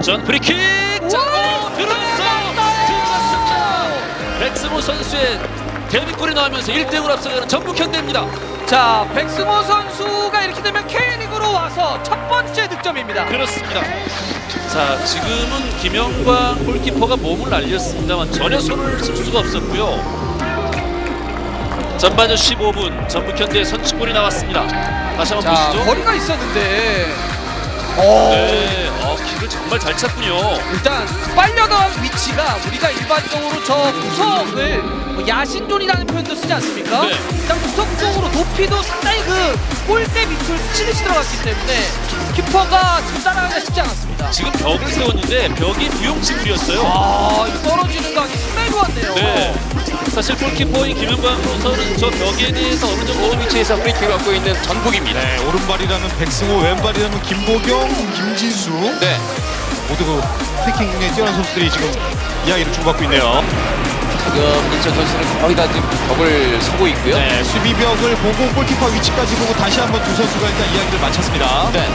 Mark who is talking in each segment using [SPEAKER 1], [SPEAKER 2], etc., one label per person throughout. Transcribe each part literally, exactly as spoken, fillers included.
[SPEAKER 1] 역전 프리킥. 자, 오, 들어갔어요. 들어갔습니다. 백승호 선수의 데뷔골이 나오면서 일 대 영으로 앞서가는 전북현대입니다.
[SPEAKER 2] 자, 백승호 선수가 이렇게 되면 K리그로 와서 첫 번째 득점입니다.
[SPEAKER 1] 그렇습니다. 자, 지금은 김영광 골키퍼가 몸을 날렸습니다만 전혀 손을 쓸 수가 없었고요. 전반전 십오 분 전북현대의 선취골이 나왔습니다. 다시 한번
[SPEAKER 2] 자,
[SPEAKER 1] 보시죠.
[SPEAKER 2] 거리가 있었는데 오.
[SPEAKER 1] 네, 어, 길을 정말 잘 찾군요.
[SPEAKER 2] 일단 빨려나간 위치가 우리가 일반적으로 저 구석을 뭐 야신존이라는 표현도 쓰지 않습니까?
[SPEAKER 1] 네.
[SPEAKER 2] 일단 구석 쪽으로 높이도 상당히 그 골대 밑을 스치듯이 들어갔기 때문에 키퍼가 지금 따라가기가 쉽지 않았습니다.
[SPEAKER 1] 지금 벽을 세웠는데 벽이 무용지물이었어요.
[SPEAKER 2] 아, 이거 떨어지는 각이 상당히 좋았네요.
[SPEAKER 1] 네. 사실 골키퍼인 김영광으로서는 저 벽에 대해서 어느 정도 위치에서 프리킥을 갖고 있는 전북입니다.
[SPEAKER 3] 네, 오른발이라는 백승호, 왼발이라는 김보경, 김진수.
[SPEAKER 1] 네.
[SPEAKER 3] 모두 그 패킹에 뛰어난 선수들이 지금 이야기를 주고받고 있네요.
[SPEAKER 4] 지금 인천 선수는 거의 다 지금 벽을 서고 있고요.
[SPEAKER 3] 네, 수비벽을 보고 골키퍼 위치까지 보고 다시 한번 두 선수가 일단 이야기를 마쳤습니다.
[SPEAKER 4] 네.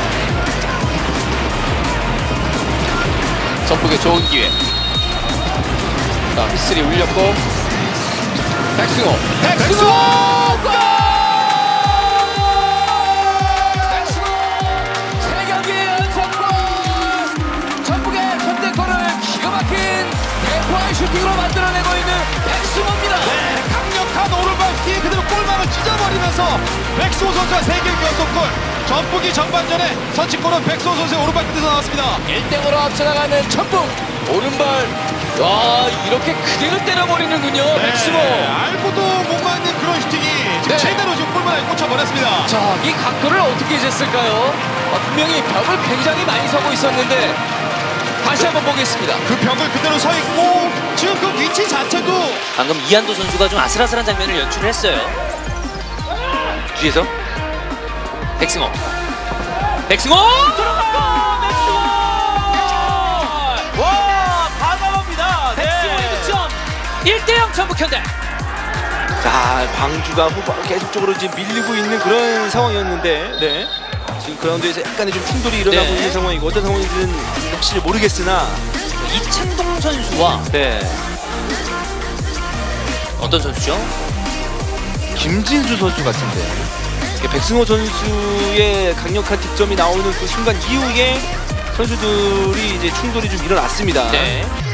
[SPEAKER 4] 전북의 좋은 기회. 자, 휘슬이 울렸고 백승호.
[SPEAKER 3] 백승호!
[SPEAKER 4] 골! 백승호 세 경기 연속골. 전북의 선제골을 기가 막힌 대포의 슈팅으로 만들어내고 있는 백승호입니다.
[SPEAKER 3] 네, 강력한 오른발 뒤에 그대로 골망을 찢어버리면서 백승호 선수가 세 경기 연속골. 전북이 전반전에 선취골은 백승호 선수의 오른발 끝에서 나왔습니다.
[SPEAKER 4] 일 대 영으로 앞서나가는 전북. 오른발. 와, 이렇게 그대로 때려버리는군요. 백승호.
[SPEAKER 3] 네, 알고도 못 맞는 그런 슈팅이 지금
[SPEAKER 4] 네.
[SPEAKER 3] 제대로 지금 골망에 꽂혀버렸습니다.
[SPEAKER 4] 자, 이 각도를 어떻게 쟀을까요? 아, 분명히 벽을 굉장히 많이 서고 있었는데 다시 한번 보겠습니다.
[SPEAKER 3] 그 벽을 그대로 서 있고 지금 그 위치 자체도
[SPEAKER 5] 방금 이한도 선수가 좀 아슬아슬한 장면을 연출을 했어요. 뒤에서 백승호. 백승호! 들어갔고! 백승호! 와, 과감합니다. 백승호의 득점. 일 대 영 전북현대.
[SPEAKER 6] 자, 광주가 후반 계속적으로 지금 밀리고 있는 그런 상황이었는데, 네. 지금 그라운드에서 약간의 좀 충돌이 일어나고
[SPEAKER 5] 네.
[SPEAKER 6] 있는 상황이고 어떤 상황인지는 확실히 모르겠으나,
[SPEAKER 5] 이창동 선수와
[SPEAKER 6] 네.
[SPEAKER 5] 어떤 선수죠?
[SPEAKER 6] 김진수 선수 같은데, 이게 백승호 선수의 강력한 득점이 나오는 그 순간 이후에 선수들이 이제 충돌이 좀 일어났습니다.
[SPEAKER 5] 네.